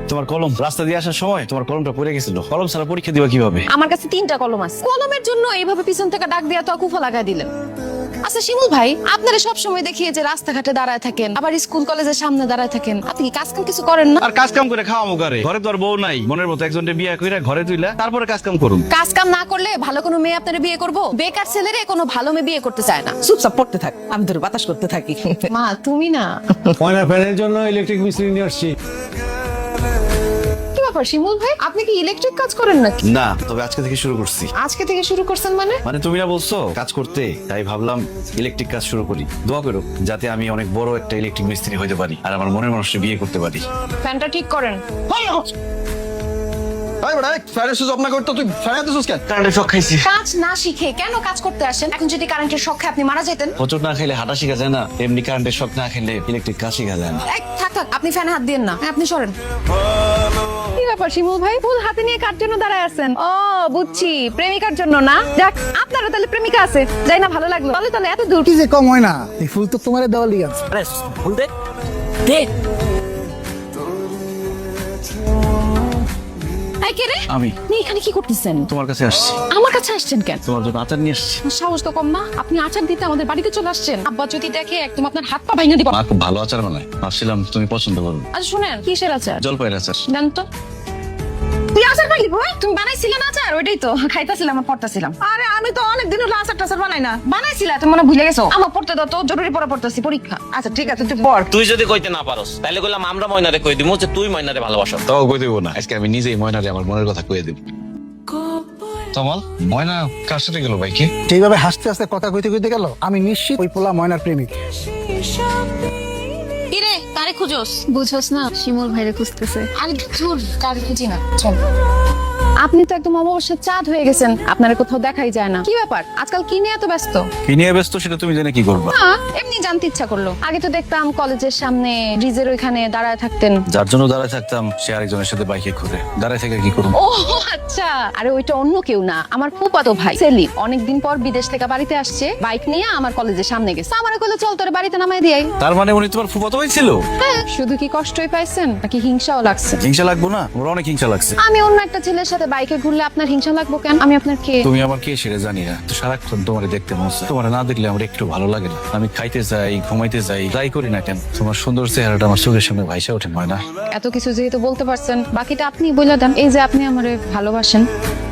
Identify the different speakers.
Speaker 1: তোমার কলম রাস্তা দিয়ে আসার সময় তোমার কলমটা পড়ে গেছিল। কলম ছাড়া পরীক্ষা দিবা কিভাবে?
Speaker 2: আমার কাছে 3টা কলম আছে। কলমের জন্য এইভাবে পিছন থেকে ডাক দিয়া তো কুফা লাগাই দিলেন। আচ্ছা শিমুল ভাই, আপনারা সব সময় দেখি যে রাস্তাঘাটে দাঁড়ায় থাকেন, আবার স্কুল কলেজের সামনে দাঁড়ায় থাকেন। আপনি কি কাজ কাম কিছু করেন না?
Speaker 1: আর কাজ কাম করে খাওয়া মুখারে, ঘরে তো আর বউ নাই। মনের মতো একজনকে বিয়ে কইরা ঘরে তুইলা তারপরে কাজ কাম করুন।
Speaker 2: কাজ কাম না করলে ভালো কোনো মেয়ে আপনারা বিয়ে করবো? বেকার ছেলেরে কোনো ভালো মেয়ে বিয়ে করতে চায় না।
Speaker 3: চুপচাপ পড়তে থাক, আমি ধরে বাতাস করতে থাকি।
Speaker 2: মা তুমি না।
Speaker 4: ময়না ফ্যানের জন্য ইলেকট্রিক মিস্ত্রি নিয়ে আসছি।
Speaker 2: কি ব্যাপার শিমুল ভাই, আপনি কি ইলেকট্রিক কাজ করেন নাকি?
Speaker 1: না, তবে আজকে থেকে শুরু করছি।
Speaker 2: আজকে থেকে শুরু করছেন মানে?
Speaker 1: মানে তুমি না বলছো কাজ করতে, তাই ভাবলাম ইলেকট্রিক কাজ শুরু করি। দোয়া করো যাতে আমি অনেক বড় একটা ইলেকট্রিক মিস্ত্রি হইতে পারি আর আমার মনের মানুষকে বিয়ে করতে পারি।
Speaker 2: ফ্যানটা ঠিক করেন।
Speaker 1: কারেন্টের শক খাইছি।
Speaker 2: কাজ না শিখে কেন কাজ করতে আসেন? এখন যদি কারেন্টের শখে আপনি মারা যেতেন।
Speaker 1: হোঁচট না খেলে হাঁটা শিখা যায় না, এমনি কারেন্টের শক না খেলে ইলেকট্রিক কাজ শিখা যায় না।
Speaker 2: এই, থাক থাক, আপনি ফ্যানে হাত দিয়েন না, আপনি সরেন। কি ব্যাপার শিমুল ভাই, ফুল হাতে নিয়ে কার জন্য দাঁড়ায় আছেন? ও বুঝছি, প্রেমিকার জন্য না। যাক, আপনারও তাহলে প্রেমিকা আছে, যাই না ভালো লাগলো। তাহলে তাহলে এত দূর
Speaker 4: কি যে কম হয় না, এই ফুল তো তোমার দেওয়া লিগে আছে।
Speaker 3: আরে ফুল দে দে।
Speaker 2: এই কে রে?
Speaker 1: আমি
Speaker 2: আপনি এখানে কি করতেছেন?
Speaker 1: তোমার কাছে আসছি।
Speaker 2: আমার কাছে আসছেন কেন?
Speaker 1: তোমার জন্য আচার নিয়ে আসছি।
Speaker 2: সাহস তো কম না, আপনি আচার দিতে আমাদের বাড়িতে চলে আসছেন। আব্বা যদি দেখে একদম আপনার হাত পা ভাঙা দিবা।
Speaker 1: মা খুব ভালো আচার বানায়, ভাবছিলাম তুমি পছন্দ করবে।
Speaker 2: আচ্ছা শুনেন, কিসের আচার?
Speaker 1: জলপাইয়ের আচার।
Speaker 2: দেন তো। তুই আচার পাইলি ভাই? তুমি বানাইছিলে না আচার? ওইটাই তো খাইতাছিলাম আর পড়তাছিলাম।
Speaker 3: আরে আমি তো অনেক দিন হলো আচার টাচার বানাই না।
Speaker 2: বানাইছিলা, তুমি মনে হয় ভুলে গেছো। আমার পড়তে দাও তো, জরুরি পড়া পড়তাছি, পরীক্ষা।
Speaker 3: আচ্ছা ঠিক আছে, তুই পড়।
Speaker 5: তুই যদি কইতে না পারস তাহলে কইলাম আমরা ময়নারে কই দিমু যে তুই ময়নারে ভালোবাসো।
Speaker 1: তাও কই দেবো না, আজকে আমি নিজেই ময়নারে আমার মনের কথা কয়ে দেব। তমাল, ময়না কার সাথে গেল ভাইকে?
Speaker 4: যেইভাবে হাসতে হাসতে কথা কইতে কইতে গেল, আমি নিশ্চিত ওই পোলা ময়নার প্রেমিক।
Speaker 2: কিরে, কারে খুঁজোস?
Speaker 6: বুঝোস না, শিমুল ভাইরে খুঁজতেছে।
Speaker 2: আরে ধুর, কারে খুঁজি না, চল। আপনি তো একদম অমাবস্যার চাঁদ হয়ে গেছেন, আপনার কোথাও দেখাই যায় না। কি ব্যাপার, আজকাল কি নিয়ে এত ব্যস্ত?
Speaker 1: কি নিয়ে ব্যস্ত সেটা তুমি জেনে কি করবা?
Speaker 2: না, এমনি জানতে ইচ্ছা করলো। আগে তো দেখতাম কলেজের সামনে ব্রিজের ওইখানে দাঁড়ায় থাকতেন।
Speaker 1: যার জন্য দাঁড়ায় থাকতাম সে আরেকজনের সাথে বাইকে ঘুরে, দাঁড়ায় থেকে কি করবো?
Speaker 2: ও আচ্ছা, আরে ওইটা অন্য কেউ না, আমার ফুফাতো ভাই সেলিম। অনেকদিন পর বিদেশ থেকে বাড়িতে আসছে, বাইক নিয়ে আমার কলেজের সামনে গেছে। আমার কইলো চল তোরে বাড়িতে নামাই দিই।
Speaker 1: তার মানে উনি তোমার ফুফাতো ভাই ছিল?
Speaker 2: হ্যাঁ, শুধু কি কষ্টই পাইছেন নাকি হিংসাও লাগছে?
Speaker 1: হিংসা লাগবো না? ওর অনেক হিংসা লাগছে।
Speaker 2: আমি অন্য একটা ছেলের সাথে বাইকে ঘুরলে আপনার হিংসা লাগবো কেন? আমি আপনার কে?
Speaker 1: তুমি আমার কে সেটা জানি না, তো সারাক্ষণ তোমার দেখতে মন চায়। তোমার না দেখলে আমার একটু ভালো লাগে না। আমি খাইতে যাই, ঘুমাইতে যাই, যাই করি না কেন তোমার সুন্দর চেহারাটা আমার চোখের সামনে ভাইসা ওঠে। ময়না,
Speaker 2: এত কিছু যেহেতু বলতে পারছেন, বাকিটা আপনি বলে দেন। এই যে আপনি আমারে ভালোবাসেন।